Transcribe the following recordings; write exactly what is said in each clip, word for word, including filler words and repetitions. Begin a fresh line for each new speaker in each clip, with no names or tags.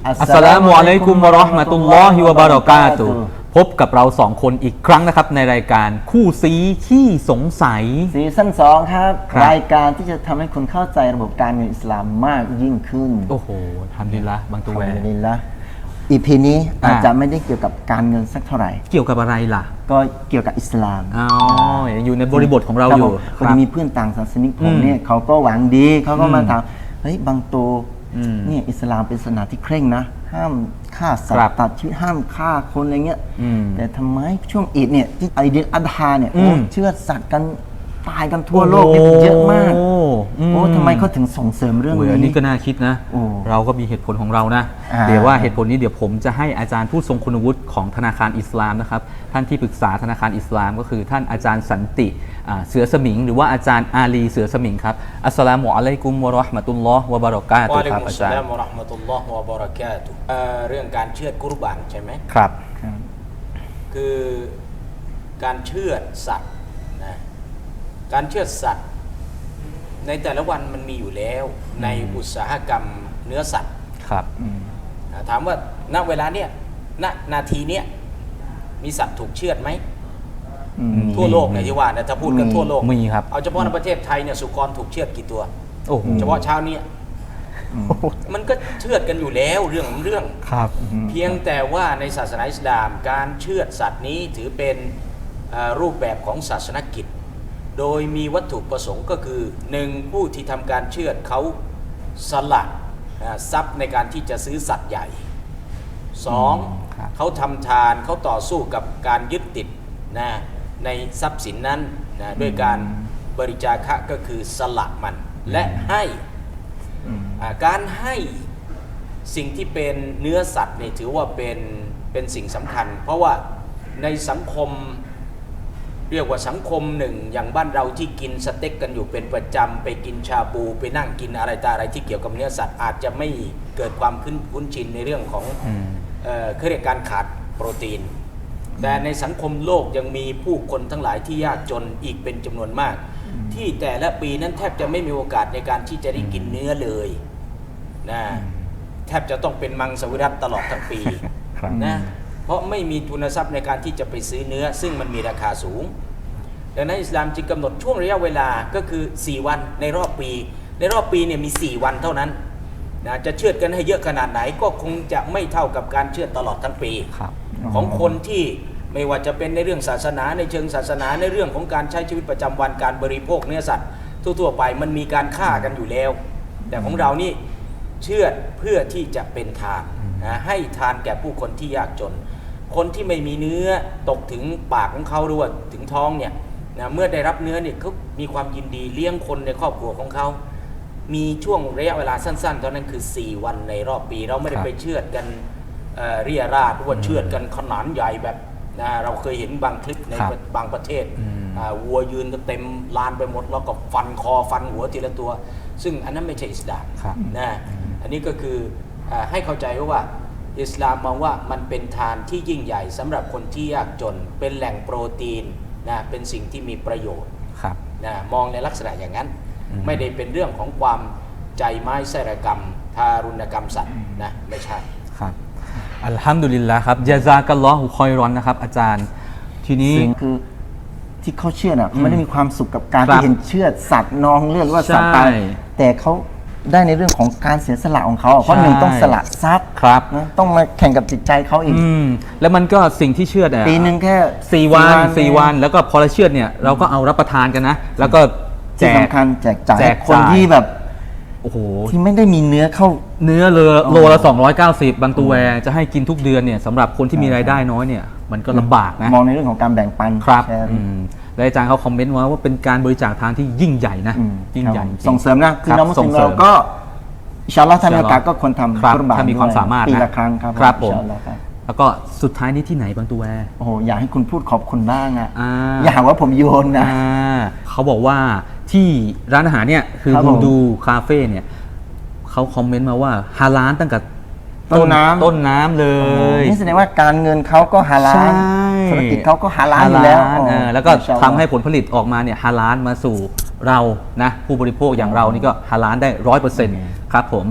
อัสสลามุอะลัยกุมวะเราะห์มะตุลลอฮิวะบะเราะกาตุฮ์พบกับเราสองคนอีกครั้งนะครับในรายการคู่ซีขี้สงสัย
ซีซั่นสองครับรายการที่จะทำให้คุณเข้าใจระบบการเงินอิสลามมากยิ่งขึ้น
โอ้โหทำดีละบางตัวแวร์
ดีละอีพีนี้อาจจะไม่ได้เกี่ยวกับการเงินสักเท่าไหร่
เกี่ยวกับอะไรล่ะ
ก็เกี่ยวกับอิสลาม
อ๋ออยู่ในบริบทของเราอยู่
คนมีเพื่อนต่างศาสนิกผมเนี่ยเขาก็หวังดีเขาก็มาถามเฮ้ยบางตัวเนี่ยอิสลามเป็นศาสนาที่เคร่งนะห้ามฆ่าสัตว์ตัดชีวิตห้ามฆ่าคนอะไรเงี้ยแต่ทำไมช่วงอีดเนี่ยที่ไอเดียอัฎฮาเนี่ยเชื่อสัตว์กันตายกันทั่วโลกเยอะมากโอ้ทำไมเขาถึงส่งเสริมเรื่องนี้
อันนี้ก็น่าคิดนะเราก็มีเหตุผลของเรานะเดี๋ยวว่าเหตุผลนี้เดี๋ยวผมจะให้อาจารย์ผู้ทรงคุณวุฒิของธนาคารอิสลามนะครับท่านที่ปรึกษาธนาคารอิสลามก็คือท่านอาจารย์สันติเสือสมิงหรือว่าอาจารย์อาลีเสือสมิงครับอัสสลามุอะลัยกุมวะเราะห์มะตุลลอฮ์วะบะเราะกาตุฮ์ครับอาจารย์
วะอะลัยกุมสสลามวะเราะห์มะตุลลอฮ์วะบะเราะกาตุฮ์เรื่องการเชือดกุรบานใช่ไหม
ครับ
คือการเชือดสัตว์นะการเชือดสัตว์ในแต่ละวันมันมีอยู่แล้วในอุตสาหกรรมเนื้อสัตว์
ครับ
ถามว่าณเวลาเนี้ยณนาทีเนี้ยมีสัตว์ถูกเชือดไหมทั่วโลกเนี่ยที่ว่านะถ้าพูดกันทั่วโลก
มีครับ
เอาเฉพาะในประเทศไทยเนี่ยสุกรถูกเชือดกี่ตัวเฉพาะเช้านี้มันก็เชือดกันอยู่แล้วเรื่องเรื่อง
ครับ
เพียงแต่ว่าในศาสนาอิสลามการเชือดสัตว์นี้ถือเป็นรูปแบบของศาสนกิจโดยมีวัตถุประสงค์ก็คือหนึ่งผู้ที่ทำการเชือดเขาสละทรัพย์ในการที่จะซื้อสัตว์ใหญ่สองเขาทำทานเขาต่อสู้กับการยึดติดนะในทรัพย์สินนั้นนะด้วยการบริจาคก็คือสละมันและให้การให้สิ่งที่เป็นเนื้อสัตว์นี่ถือว่าเป็นเป็นสิ่งสำคัญเพราะว่าในสังคมเรียกว่าสังคมหนึ่งอย่างบ้านเราที่กินสเต็กกันอยู่เป็นประจำไปกินชาบูไปนั่งกินอะไรต่ออะไรที่เกี่ยวกับเนื้อสัตว์อาจจะไม่เกิดความคุ้นชินในเรื่องของเอ่อเรียกการขาดโปรตีนแต่ในสังคมโลกยังมีผู้คนทั้งหลายที่ยากจนอีกเป็นจำนวนมากที่แต่ละปีนั้นแทบจะไม่มีโอกาสในการที่จะได้กินเนื้อเลยนะแทบจะต้องเป็นมังสวิรัติตลอดทั้งปีนะเพราะไม่มีทุนทรัพย์ในการที่จะไปซื้อเนื้อซึ่งมันมีราคาสูงดังนั้นอิสลามจึงกำหนดช่วงระยะเวลาก็คือสี่วันในรอบปีในรอบปีเนี่ยมีสี่วันเท่านั้นนะจะเชือดกันให้เยอะขนาดไหนก็คงจะไม่เท่ากับการเชือดตลอดทั้งปีของคนที่ไม่ว่าจะเป็นในเรื่องศาสนาในเชิงศาสนาในเรื่องของการใช้ชีวิตประจำวันการบริโภคเนื้อสัตว์ทั่วๆไปมันมีการฆ่ากันอยู่แล้วแต่ของเรานี่เชือดเพื่อที่จะเป็นทานนะให้ทานแก่ผู้คนที่ยากจนคนที่ไม่มีเนื้อตกถึงปากของเขาหรือว่าถึงท้องเนี่ยนะเมื่อได้รับเนื้อเนี่ยเขามีความยินดีเลี้ยงคนในครอบครัวของเขามีช่วงระยะเวลาสั้นๆตอนนั้นคือสี่วันในรอบปีเราไม่ได้ไปเชือดกันเอ่อเรียราดหรือว่าเชือดกันขนาดใหญ่แบบนะเราเคยเห็นบางคลิปในบางประเทศวัวยืนเต็มลานไปหมดแล้วก็ฟันคอฟันหัวทีละตัวซึ่งอันนั้นไม่ใช่อิสลามนะอันนี้ก็คือให้เข้าใจว่าอิสลามมองว่ามันเป็นทานที่ยิ่งใหญ่สำหรับคนที่ยากจนเป็นแหล่งโปรตีนนะเป็นสิ่งที่มีประโยชน์นะมองในลักษณะอย่างนั้นไม่ได้เป็นเรื่องของความใจไม้ไส้ระกรรมทารุณกรรมสัตว์นะไม่ใช่
ครับอัลฮัมดุลิลละครับยะซากัลลอฮุคอยรอนนะครับอาจารย์ทีนี้
คือที่เขาเชื่อน่ะไม่ได้มีความสุขกับการที่เห็นเชื่อสัตว์นองเลือดว่าสัตว์ตายแต่เขาได้ในเรื่องของการเสียสละของเขาเพราะหนึ่งต้องสละทรัพย์
ครับ
ต้องมาแข่งกับจิตใจเขาอีก
แล้วมันก็สิ่งที่เชื่อเนี่ย
ปีหนึ่งแค่
สี่วันสี่วันแล้วก็พอเราเชื่อเนี่ยเราก็เอารับประทานกันนะแล้วก็
แจกสำคัญแจกจ่ายคนที่แบบ
โอ้โห
ที่ไม่ได้มีเนื้อเข้า
เนื้อเลยโลละสองร้อยเก้าสิบบางตัวแวร์จะให้กินทุกเดือนเนี่ยสำหรับคนที่มีรายได้น้อยเนี่ยมันก็ลำบากนะ
มองในเรื่องของการแบ่งปัน
ครับและอาจารย์เขาคอมเมนต์ว่าเป็นการบริจาคทานที่ยิ่งใหญ่นะยิ่งใหญ่
ส่งเสริมนะคือน้องมุสลิมเราก็อินชาอัลลอฮ์ถ้ามีโอกาสก็ควรทำกุรบาน
ถ้ามีความสามารถ
ปีละครั้งครับ
ครับผมแล้วก็สุดท้ายนี้ที่ไหนบางตัวแวร์
โอ้โหอยากให้คุณพูดขอบคุณบ้างอ่ะอย่าหาว่าผมโยนนะ
เขาบอกว่าที่ร้านอาหารเนี่ยคือฮูดูคาเฟ่เนี่ยเขาคอมเมนต์มาว่าฮาลาลตั้งแต่
ต้นน้ำ
ต้นน้ำเลย
นี่แสดงว่าการเงินเขาก็ฮาลาลธุรกิจเขาก็ฮาลาลอยู่แล้ว
แล้วก็ทำให้ผลผลิตออกมาเนี่ยฮาลาลมาสู่เรานะผู้บริโภคอย่างเรานี่ก็ฮาลาลได้ร้อยเปอร์เซ็นต์ครับผม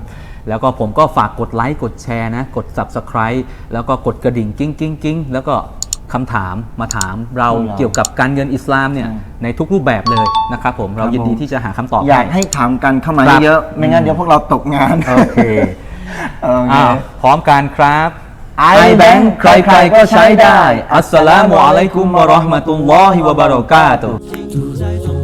แล้วก็ผมก็ฝากกดไลค์กดแชร์นะกด Subscribe แล้วก็กดกระดิ่งกิ้งกิ้งกิ้งแล้วก็คำถามมาถามเราเกี่ยวกับการเงินอิสลามเนี่ยในทุกรูปแบบเลยนะครับผมเรายินดีที่จะหาคำตอบ
อยากให้ถามกันเข้ามาเยอะๆไม่งั้นเดี๋ยวพวกเราตกงาน
โอเค
โอเค
อ้าวพร้อมกันครับ
iBank
ใครๆก็ใช้ได้อัสสลามุอะลัยกุมวะเราะห์มะตุลลอฮิวะบะเราะกาตุฮ์